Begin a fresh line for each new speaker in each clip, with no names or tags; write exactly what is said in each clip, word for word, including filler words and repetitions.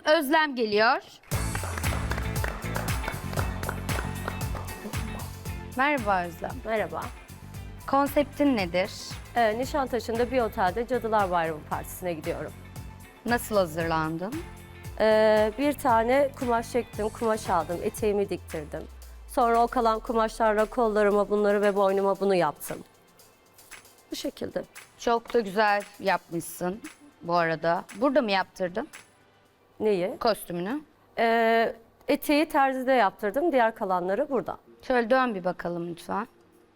Özlem geliyor. Merhaba Özlem.
Merhaba.
Konseptin nedir?
Ee, Nişantaşı'nda bir otelde Cadılar Bayramı Partisi'ne gidiyorum.
Nasıl hazırlandın?
Ee, bir tane kumaş çektim, kumaş aldım, eteğimi diktirdim. Sonra o kalan kumaşlarla kollarıma bunları ve boynuma bunu yaptım. Bu şekilde.
Çok da güzel yapmışsın bu arada. Burada mı yaptırdın
Neyi?
kostümünü?
Ee, eteği terzide yaptırdım, diğer kalanları burada.
Şöyle dön bir bakalım lütfen.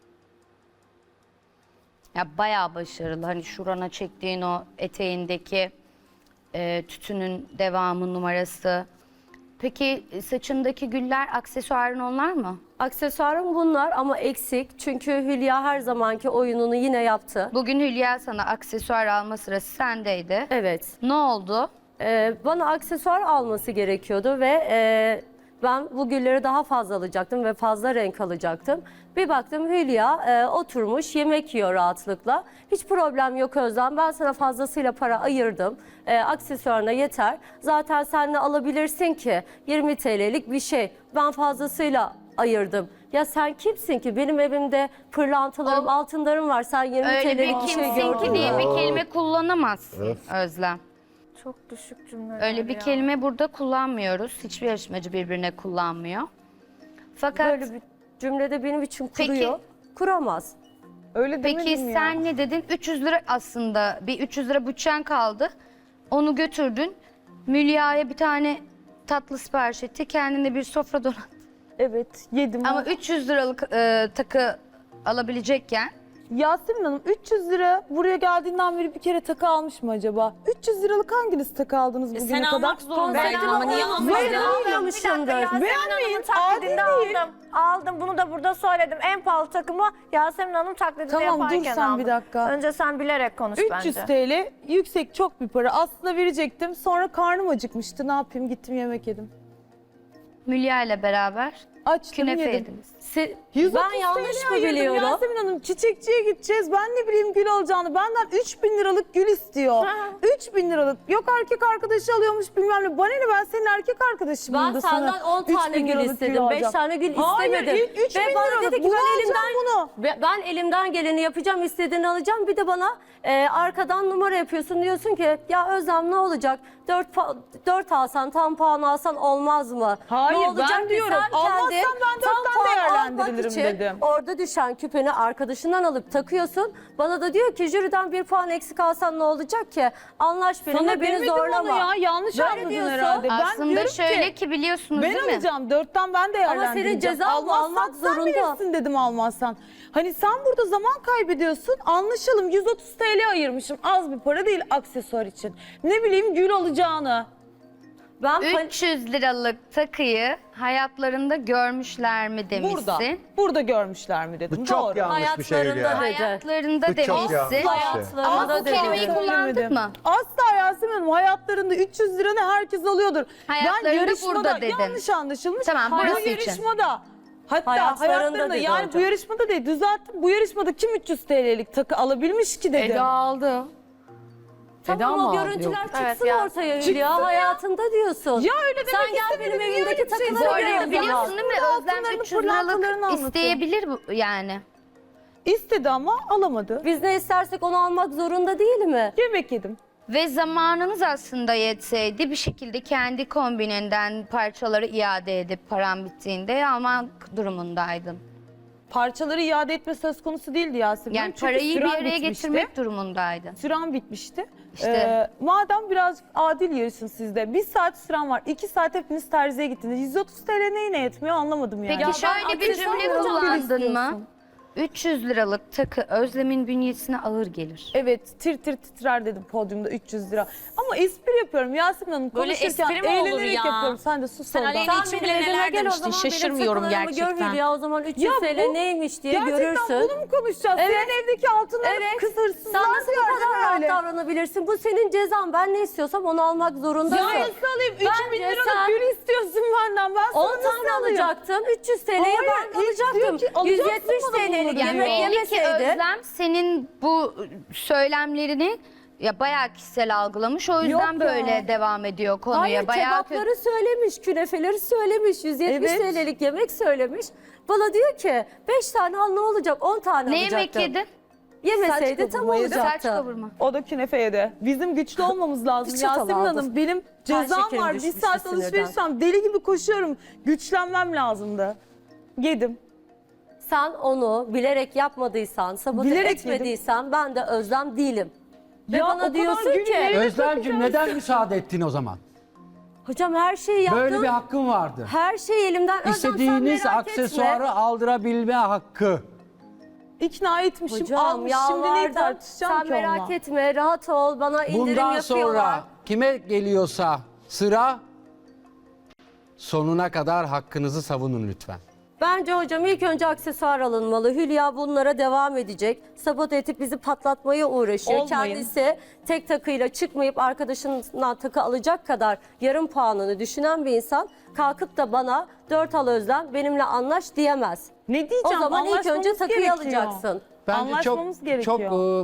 Ya bayağı başarılı. Hani şurana çektiğin o eteğindeki e, tütünün devamı numarası. Peki saçındaki güller aksesuarın onlar mı?
Aksesuarım bunlar ama eksik. Çünkü Hülya her zamanki oyununu yine yaptı.
Bugün Hülya sana aksesuar alma sırası sendeydi.
Evet.
Ne oldu?
Ee, bana aksesuar alması gerekiyordu ve e, ben bu gülleri daha fazla alacaktım ve fazla renk alacaktım. Bir baktım Hülya e, oturmuş yemek yiyor rahatlıkla. Hiç problem yok Özlem, ben sana fazlasıyla para ayırdım. E, aksesuarına yeter. Zaten sen de alabilirsin ki yirmi T L'lik bir şey. Ben fazlasıyla ayırdım. Ya sen kimsin ki? Benim evimde pırlantalarım,
O-
altınlarım var. Sen yirmi
Öyle
T
bir
L'lik bir şey
kimsin
gördün
ki
mü?
diye bir kelime kullanamazsın
Evet.
Özlem.
Çok düşük cümleler
Öyle bir
ya.
kelime burada kullanmıyoruz. Hiçbir yarışmacı birbirine kullanmıyor. Fakat
Böyle bir cümlede benim için
Peki-
kuruyor. Kuramaz.
Öyle
peki
demedim ya.
sen ne dedin? üç yüz lira aslında bir üç yüz lira bütçen kaldı. Onu götürdün. Mülya'ya bir tane tatlı sipariş etti. Kendine bir sofra donat.
Evet yedim.
Ama üç yüz liralık e, takı alabilecekken
Yasemin Hanım üç yüz lira buraya geldiğinden beri bir kere takı almış mı acaba? üç yüz liralık hanginiz takı aldınız bugüne
Sen
kadar?
almak zorundaydın ama niye almadın?
Almamışımdır.
Beğenmeyin,
taklidinde
adil değil.
aldım. Aldım, bunu da burada söyledim. En pahalı takımı Yasemin Hanım taklidinde
Tamam, dur
yaparken
sen
aldım.
bir dakika.
Önce sen bilerek konuş
üç yüz
bence.
T L yüksek çok bir para. Aslında verecektim. Sonra karnım acıkmıştı. Ne yapayım? Gittim yemek yedim.
Mülya ile beraber
Açtım
künefe
yedim.
yediniz.
Se-
yüz otuz
ben yanlış
T L
mı
ayırdım
biliyorum?
Yasemin Hanım çiçekçiye gideceğiz. Ben ne bileyim gül alacağını. Benden üç bin liralık gül istiyor. üç bin liralık. Yok erkek arkadaşı alıyormuş bilmem ne. Bana ne, ben senin erkek arkadaşımım
Ben
da
senden
sana
on
üç
tane
bin
gül
liralık
istedim. beş
alacağım.
tane gül
Hayır,
istemedim.
ilk üç bin
Ve bana
liralık.
dedi ki
Bunu
ben
alacağım
elimden,
bunu.
Ve ben elimden geleni yapacağım, istediğini alacağım. Bir de bana e, arkadan numara yapıyorsun. Diyorsun ki ya Özlem ne olacak? Dört, dört alsan, tam puan alsan olmaz mı?
Hayır,
ne
ben
olacak ki
diyorum,
sen
almazsan
kendi
ben
tam
dörtten
puan
değerlendiririm
almak için
dedim.
Orada düşen küpeni arkadaşından alıp takıyorsun. Bana da diyor ki jüriden bir puan eksik alsan ne olacak ki? Anlaş benimle,
Sana
beni
demedim
zorlama.
onu ya. Yanlış
Böyle
anladın
diyorsun.
herhalde. Ben
Aslında
diyorum
şöyle
ki,
ki biliyorsunuz
ben
değil mi?
alacağım. Dörtten ben değerlendireceğim.
ceza mı?
Almazsan
Almak
sen
zorunda.
bilirsin dedim almazsan. Hani sen burada zaman kaybediyorsun. Anlaşalım, yüz otuz T L ayırmışım. Az bir para değil aksesuar için. Ne bileyim gül alacağını.
Ben pan-
üç yüz liralık takıyı hayatlarında görmüşler mi demişsin.
Burada. Burada görmüşler mi dedim.
Bu çok
Doğru.
yanlış bir şey
Hayatlarında
ya.
dedi.
Hayatlarında
Bu çok yanlış
demişsin.
bir şey.
Hayatlarında
Ama bu
dedi.
kelimeyi kullandık
Söylemedim.
mı?
Asla Yasemin Hanım, hayatlarında üç yüz liranı herkes alıyordur.
Hayatlarında
ben yarışmada
burada dedin.
yanlış anlaşılmış.
Tamam,
bu
burası için.
yarışmada. Hatta
Hayatlarında
hayatlarında,
dedi
yani bu
hocam.
yarışmada değil, düzelttim. Bu yarışmada kim üç yüz T L'lik takı alabilmiş ki dedim.
aldı.
Tamam o görüntüler çıksın
Evet, ya.
ortaya
Çıksın
Hülya.
ya.
Hayatında diyorsun.
Ya öyle demek
Sen gel
istemedim,
benim
niye
evimdeki
öyle bir şey
takıları
Bu
söylüyorsun?
arada
gör.
biliyorsun değil mi? Özlem
Altınlarını,
üç yüz
pırlantalarını
liralık
anlatıyor.
isteyebilir bu- yani.
İstedi ama alamadı.
Biz ne istersek onu almak zorunda değil mi?
Yemek yedim.
Ve zamanınız aslında yetseydi bir şekilde kendi kombininden parçaları iade edip param bittiğinde almak durumundaydın.
Parçaları iade etme söz konusu değildi Yasemin.
Yani
Çünkü
parayı bir
süren
araya
bitmişti.
getirmek durumundaydın.
Süren bitmişti.
İşte.
Ee, madem biraz adil yarışın sizde. Bir saat süren var. iki saat hepiniz terziye gittiniz. yüz otuz T L neyine yetmiyor anlamadım yani.
Peki şöyle bir
aksesuar
cümle
alacağım
kullandın mı?
istiyorsun.
üç yüz liralık takı Özlem'in bünyesine ağır gelir.
Evet, tir tir titrer dedim podyumda üç yüz lira. Ama espri yapıyorum Yasemin Hanım.
Böyle
Konuşurken
espri mi olur
eğlenerek
ya?
yapıyorum. Sen de sus
Sen
oradan.
aleyhine
Sen
için
benim
bile
evime
neler
gel o
demiştin.
zaman, benim
Şaşırmıyorum
takılarımı gör
gerçekten.
Hülya. O zaman üç yüz
Ya
T L
bu-
neymiş diye
Gerçekten
görürsün.
bunu mu konuşacağız?
Evet.
Senin evdeki altınları
Evet.
kız hırsızlar
Sen nasıl bu
gördün
kadar rahat
öyle.
davranabilirsin? Bu senin cezan. Ben ne istiyorsam onu almak zorundasın.
Ya nasıl alayım? üç bin
Bence
liralık
sen
gül istiyorsun benden. Ben sana
on
nasıl
tane
alayım?
alacaktın. üç yüz T L'ye
Hayır,
ben
ilk diyor
alacaktım.
ki alacaksın
yüz yetmiş
bana
T L'lik
bunları.
Yani
yemek
belli ki
yemeseydi.
Özlem senin bu söylemlerini Ya bayağı kişisel algılamış o yüzden
Yok ya.
böyle devam ediyor konuya.
Hayır,
bayağı
kebapları söylemiş, künefeleri söylemiş, yüz yetmiş
Evet.
T L'lik yemek söylemiş. Bana diyor ki beş tane al ne olacak, on tane
Ne
alacaktım.
yemek yedin?
Yemeseydi
Saç
tam
kavurma yedi.
Saç
olacaktı.
kavurma.
O da künefe yedi. Bizim güçlü olmamız lazım
Bir çatal
Yasemin
aldım.
Hanım. Benim
Kan
cezam
şekerim
var. Bir
düşmüştü
saat
sinirden.
alışveriş yapsam deli gibi koşuyorum. Güçlenmem lazımdı. Yedim.
Sen onu bilerek yapmadıysan, sabote
Bilerek
etmediysen ben de Özlem değilim. Ve
Ya o
bana
kadar
diyorsun
günü
ki,
nereye
Özlemciğim neden müsaade ettin o zaman?
hocam her şeyi yaptım.
Böyle bir hakkın vardı.
Her şey elimden. Özlem, sen
İstediğiniz
merak
aksesuarı
etme.
aldırabilme hakkı.
İkna etmişim,
Hocam
almış. Şimdi neyi
yalvardım.
tartışacağım
Sen
ki
merak
onunla?
etme, rahat ol. Bana indirim
Bundan
yapıyorlar.
sonra kime geliyorsa sıra sonuna kadar hakkınızı savunun lütfen.
Bence hocam ilk önce aksesuar alınmalı. Hülya bunlara devam edecek. Sabote edip bizi patlatmaya uğraşıyor.
Olmayın.
Kendisi tek takıyla çıkmayıp arkadaşından takı alacak kadar yarım puanını düşünen bir insan kalkıp da bana dört al Özlem benimle anlaş diyemez.
Ne diyeceğim?
O zaman ilk önce
Anlaşmamız
takıyı
gerekiyor.
alacaksın.
Bence
Anlaşmamız
çok
gerekiyor.
çok e,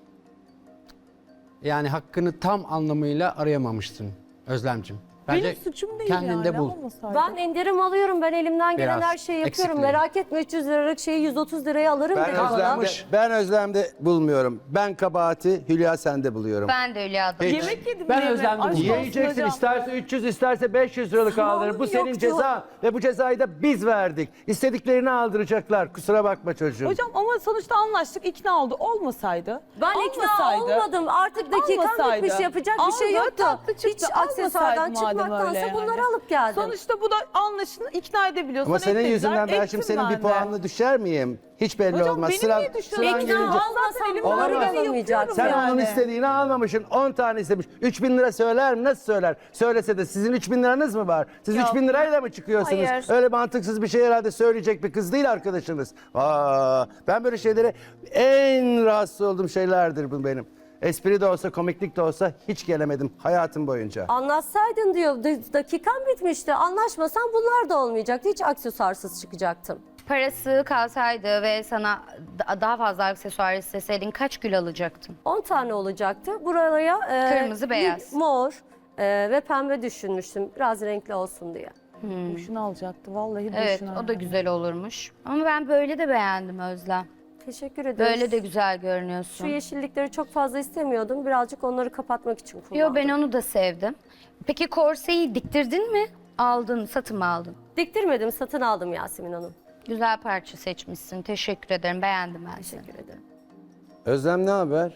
yani hakkını tam anlamıyla arayamamıştın Özlemciğim. Bence
Benim suçum değil
kendinde
yani.
bul.
olmasaydı.
Ben indirim alıyorum. Ben elimden gelen
Biraz
her şeyi yapıyorum.
eksikliği.
Merak etme üç yüz liralık şeyi yüz otuz liraya alırım
Ben
dedi bana.
Özlem'de, ben Özlem'de bulmuyorum. Ben kabahati Hülya sende buluyorum.
Ben de öyle adım.
Yemek yedim.
Ben
diye mi?
Özlem'de
Aşk
buldum.
olsun
Yiyeceksin,
hocam.
isterse üç yüz isterse beş yüz liralık aldırır. Bu senin
yoktu.
ceza ve bu cezayı da biz verdik. İstediklerini aldıracaklar. Kusura bakma çocuğum.
Hocam ama sonuçta anlaştık, ikna oldu. Olmasaydı.
Ben ikna
olmasaydı-
olmadım. Artık dakikam
Olmasaydı.
bitmiş. Yapacak bir şey
Aldı,
yoktu.
tatlı çıktı.
Hiç aksesuardan
Almasaydı madem
çıkmaktansa
öyle yani.
bunları alıp geldim.
Sonuçta bu da anlaşını ikna edebiliyorsan
Ama senin
etmediler,
yüzünden ben
ettim
şimdi senin bir
ben de.
puanını düşer miyim? Hiç belli
Hocam
olmaz.
benim
Sıra,
niye düşüyor?
sıran
İkna
gelince-
olmasam
elimden
bunları
geleni
alamayacaksın.
Sen
yapıyorum
onun
yani.
istediğini almamışsın. on tane istemiş. üç bin lira söyler mi? Nasıl söyler? Söylese de sizin üç bin liranız mı var? Siz üç bin lirayla mı çıkıyorsunuz?
Hayır.
Öyle mantıksız bir şey herhalde söyleyecek bir kız değil arkadaşınız. Aa, ben böyle şeylere en rahatsız olduğum şeylerdir bu benim. Espri de olsa, komiklik de olsa hiç gelemedim hayatım boyunca.
Anlaşsaydın diyor. D- Dakikam bitmişti. Anlaşmasan bunlar da olmayacaktı. Hiç aksesuarsız çıkacaktım.
Parası kalsaydı ve sana da- daha fazla aksesuar isteseydin kaç gül alacaktın?
on tane olacaktı. Buraya e,
Kırmızı,
bir
beyaz.
mor e, ve pembe düşünmüştüm. Biraz renkli olsun diye.
Boşuna alacaktı vallahi
Evet
boşuna.
o da güzel olurmuş. Ama ben böyle de beğendim Özlem.
Teşekkür ederim.
Böyle de güzel
Şu
görünüyorsun.
yeşillikleri çok fazla istemiyordum. Birazcık onları kapatmak için kullandım.
Yo ben onu da sevdim. Peki korseyi diktirdin mi? Aldın, satın mı aldın?
Diktirmedim, satın aldım Yasemin Hanım.
Güzel parça seçmişsin. Teşekkür ederim. Beğendim ben seni.
Teşekkür ederim.
Özlem ne haber?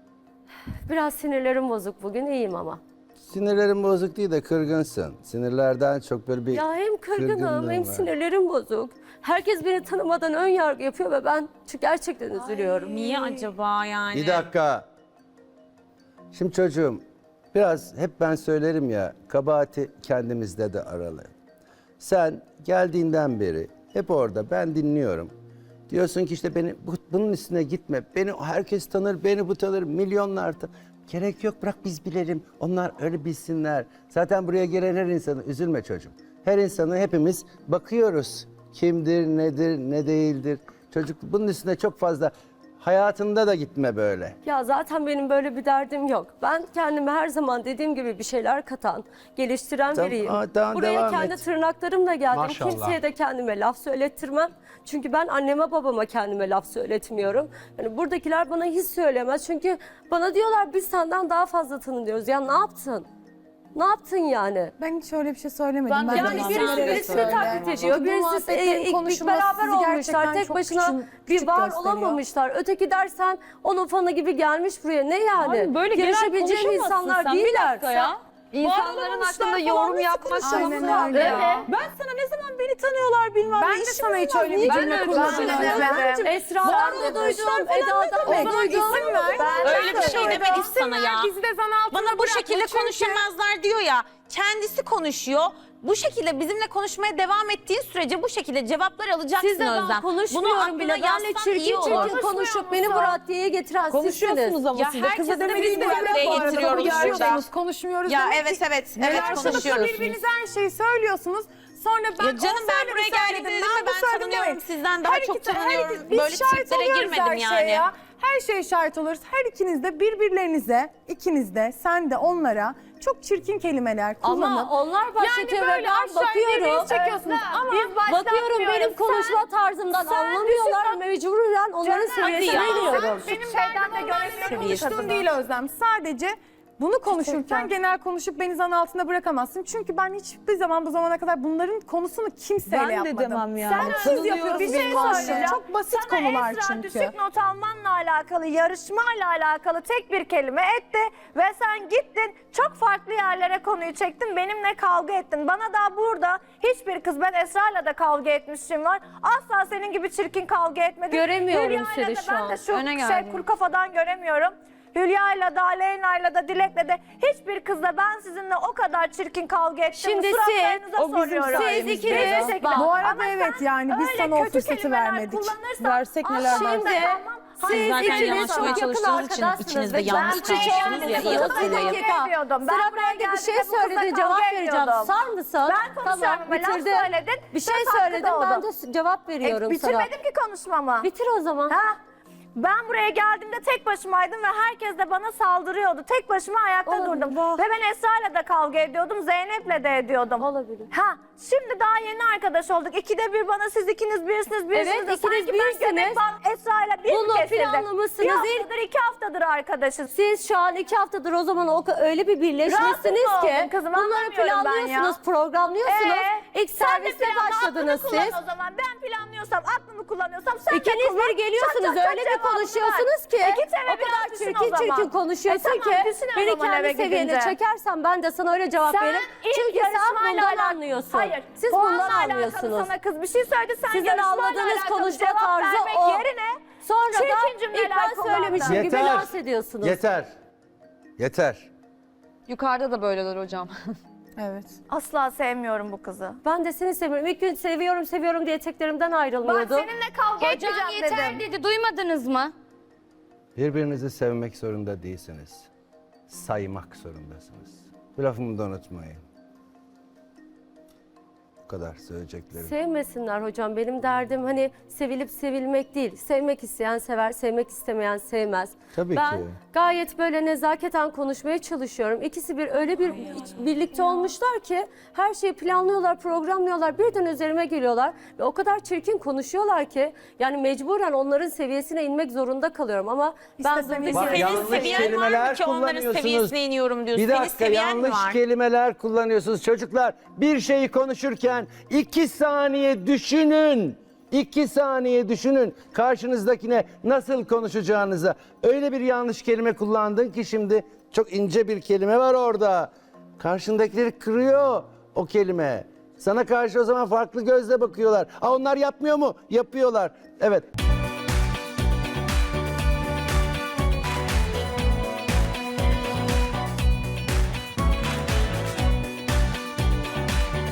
Biraz sinirlerim bozuk bugün, iyiyim ama.
Sinirlerin bozuk değil de kırgınsın. Sinirlerden çok böyle bir
Ya hem kırgınım
kırgınlığın
hem
var.
sinirlerim bozuk. Herkes beni tanımadan ön yargı yapıyor ve ben çünkü gerçekten üzülüyorum.
Niye acaba yani?
Bir dakika. Şimdi çocuğum biraz hep ben söylerim ya kabahati kendimizde de aralı. Sen geldiğinden beri hep orada ben dinliyorum. Diyorsun ki işte beni bu- bunun üstüne gitme. Beni herkes tanır, beni bu tanır, milyonlar tanır. Gerek yok bırak biz bilelim. Onlar öyle bilsinler. Zaten buraya gelen her insanı üzülme çocuğum. Her insanı hepimiz bakıyoruz. Kimdir, nedir, ne değildir. Çocuk bunun üstüne çok fazla hayatında da gitme böyle.
Ya zaten benim böyle bir derdim yok. Ben kendime her zaman dediğim gibi bir şeyler katan, geliştiren
Tamam,
biriyim.
aa, tamam,
Buraya
devam
kendi
et.
tırnaklarımla geldim.
Maşallah.
Kimseye de kendime laf söylettirmem. Çünkü ben anneme babama kendime laf söyletmiyorum. Yani buradakiler bana hiç söylemez. Çünkü bana diyorlar biz senden daha fazla tanınıyoruz. Ya ne yaptın? Ne yaptın yani?
Ben hiç öyle bir şey söylemedim.
Ben de
Ben
Yani
Yalan
birisi
söyleyerek
birisini
söyle.
taklit ediyor.
Çünkü bu
Birisi
muhabbetlerin
e, ilk
konuşulması
beraber
sizi
olmuşlar.
gerçekten
Tek
çok
başına
küçük-
bir
küçük
var
gösteriyor.
olamamışlar. Öteki dersen onun fanı gibi gelmiş buraya. Ne yani?
Abi böyle genel
Yarışabileceğim
konuşamazsın
insanlar
sen. Bir
değiller.
dakika ya.
İnsanların hakkında yorum yapmak
Aynen öyle ya.
Ben sana ne zaman beni tanıyorlar bilmem.
Ben
ne
de
işim
sana hiç
olmaz.
öyle bir
Niye
cümle
cümle
kurmadım.
kuruyorsun?
Esra'dan da duydum, Eda'dan da
O zaman
duydum.
isim ver.
Öyle bir şey demedik sana ya.
Bizi de zan altında
Bana bu
bırakma
şekilde
çünkü-
konuşamazlar diyor ya. Kendisi konuşuyor. Bu şekilde bizimle konuşmaya devam ettiğin sürece bu şekilde cevaplar alacaksın
Sizle ben
Özlem.
konuşmuyorum
aklına
bile. Benle
yazsan iyi
çirkin
olur.
çirkin konuşup beni bu raddeye getiren
Konuşuyorsunuz
sizsiniz.
ama
Ya
siz de. Kıza
herkes de
demediğiniz
biz bu
bir
raddeye
laf var.
getiriyoruz
Konuşuyorsunuz,
burada.
konuşmuyoruz
Ya
demek
evet
ki-
evet
Neler
evet
konuşuyorsunuz?
konuşuyoruz.
Birbirinize her şeyi söylüyorsunuz. Sonra ben
Ya canım
o
ben
söyledi,
buraya
söyledim,
geldiğimde dedim
ben
mi
bu
ben
söyledim
tanınıyorum
demeyin.
sizden daha
Her
çok
iki- her
tanınıyorum.
iki- biz
Böyle
şahit
triplere
oluyoruz
girmedim
her şeye
yani.
ya. her şeye şahit oluruz. Her ikiniz de birbirlerinize, ikiniz de, sen de onlara çok çirkin kelimeler kullanıp.
Ama onlar başlatıyor
yani
ve
böyle
ben
aşağı
bakıyorum.
birbirinizi çekiyorsunuz. Ama
Biz
Bakıyorum benim
başlatmıyoruz.
konuşma tarzımdan
sen
anlamıyorlar.
düşün-
Mecburen onların
Canım,
seviyesine
hadi ya.
iniyorum.
benim
Şeyden
derdim
de
onlarla
göremiyorum
konuştuğum
kadını.
değil Özlem. Sadece bunu konuşurken genel konuşup beni zan altında bırakamazsın. Çünkü ben hiçbir zaman bu zamana kadar bunların konusunu kimseyle
Ben de
yapmadım.
demem ya.
Sen siz yapıyorsunuz.
Bir şey
benim aşkım.
söyleyeceğim.
Çok basit
Sana
konular
Esra
çünkü.
düşük not almanla alakalı, yarışmayla alakalı tek bir kelime etti ve sen gittin çok farklı yerlere konuyu çektin, benimle kavga ettin. Bana da burada hiçbir kız, ben Esra'yla da kavga etmişim var. Asla senin gibi çirkin kavga etmedim.
Göremiyorum
Hülya'yla
seni
da
şu
ben
an.
de şu
Öne
şey
geldin.
kuru kafadan göremiyorum. Hülya'yla da, Aleyna'yla da, Dilek'le de hiçbir kızla ben sizinle o kadar çirkin kavga ettim.
Şimdi
Suratlarınıza
siz- o bizim
soruyorum.
sayemizde.
Hiçbir
ikiniz-
şekilde.
Bak,
bu arada
Ama sen
evet, yani biz
öyle
sana o
kötü
fırsatı
kelimeler
vermedik.
kullanırsan
Versek neler
asla
var.
Şimdi
dayanamam.
siz
Hayır,
zaten
ikiniz
yanlış
çok
yapmaya
yakın
çalıştığınız için
arkadaşsınız.
içinizde
ve
yanlış
ben iç içe
konuşuyorsunuz ya,
olmuşsunuz.
iyi
Bir
hatırlayın.
dakika.
Ediyordum. Ben
Sıra
buraya
bende bir şey
geldiğimde bu kızla
söyledin,
kavga
cevap vereceğim.
ediyordum.
Sar mısın?
Ben konuşuyorum ama laf
bitirdim.
söyledin,
Bir şey
söz hakkı
söyledim, ben
doğdu.
de cevap
E,
veriyorum sana.
bitirmedim ki konuşmamı.
Bitir o zaman.
Ha? Ben buraya geldiğimde tek başımaydım ve herkes de bana saldırıyordu. Tek başıma ayakta
Olabilir,
durdum.
bak.
Ve ben Esra'yla da kavga ediyordum, Zeynep'le de ediyordum.
Olabilir.
Ha, şimdi daha yeni arkadaş olduk. İkide bir bana siz ikiniz birsiniz, birsiniz.
Evet,
de
ikiniz
sanki ben
birsiniz.
göbek bağım Esra'yla bir
Bunu
mi kesildik?
planlamışsınız.
Bir haftadır, iki haftadır arkadaşız.
Siz şu an iki haftadır o zaman o öyle bir birleşmişsiniz
Rahatsız
ki
oldum kızım,
bunları
anlamıyorum ben
planlıyorsunuz,
ya.
programlıyorsunuz.
Ee,
İlk
sen de
serviste
planla,
başladınız
aklını kullan
siz.
o zaman. Ben planlıyorsam, aklımı kullanıyorsam sen de
İkiniz
kullan.
bir geliyorsunuz,
Çat çat çat
öyle bir
cevabını
konuşuyorsunuz
ver.
ki
E git eve
o
biraz
kadar
düşün
çirkin
o zaman.
çirkin konuşuyorsun
E tamam,
ki
düşün o
beni
zaman eve
kendi seviyene
gidince.
çekersen ben de sana öyle cevap
Sen
veririm.
ilk
Çünkü sen
yarışmayla
bundan
alakalı-
anlıyorsun.
Hayır.
Siz
puanla
bundan
alakalı
anlıyorsunuz.
Sana kız bir şey söyledi. Sen
Sizin
yarışmayla
anladığınız
alakalı
konuşma
cevap
tarzı
vermek
o.
yerine
Sonra da
çirkin
ilk
cümleler
ben
kullandın.
söylemişim gibi
Yeter.
lanse ediyorsunuz.
Yeter. Yeter.
Yukarıda da böyleler hocam.
Evet.
Asla sevmiyorum bu kızı.
Ben de seni seviyorum. İlk gün seviyorum seviyorum diye eteklerimden
Bak
ayrılmıyordum.
seninle kavga
Hocam
etmeyeceğim
yeter
dedim.
dedi, duymadınız mı?
Birbirinizi sevmek zorunda değilsiniz. Saymak zorundasınız. Bu lafımı da unutmayın. Bu kadar söyleyeceklerim.
Sevmesinler hocam. Benim derdim hani sevilip sevilmek değil. Sevmek isteyen sever, sevmek istemeyen sevmez.
Tabii
ben
ki.
gayet böyle nezaketen konuşmaya çalışıyorum. İkisi bir öyle bir iç- birlikte olmuşlar ki her şeyi planlıyorlar, programlıyorlar. Birden üzerime geliyorlar ve o kadar çirkin konuşuyorlar ki yani mecburen onların seviyesine inmek zorunda kalıyorum ama ben
İstesem
durduk
Bak,
yere-
yanlış
seviyen var mı
kelimeler
ki onların
kullanıyorsunuz.
seviyesine iniyorum diyorsun?
Bir
Senin
dakika
seviyen mi
yanlış
var?
kelimeler kullanıyorsunuz. Çocuklar bir şeyi konuşurken iki saniye düşünün. İki saniye düşünün karşınızdakine nasıl konuşacağınıza. Öyle bir yanlış kelime kullandın ki şimdi çok ince bir kelime var orada. Karşındakileri kırıyor o kelime. Sana karşı o zaman farklı gözle bakıyorlar. Aa, onlar yapmıyor mu? Yapıyorlar. Evet.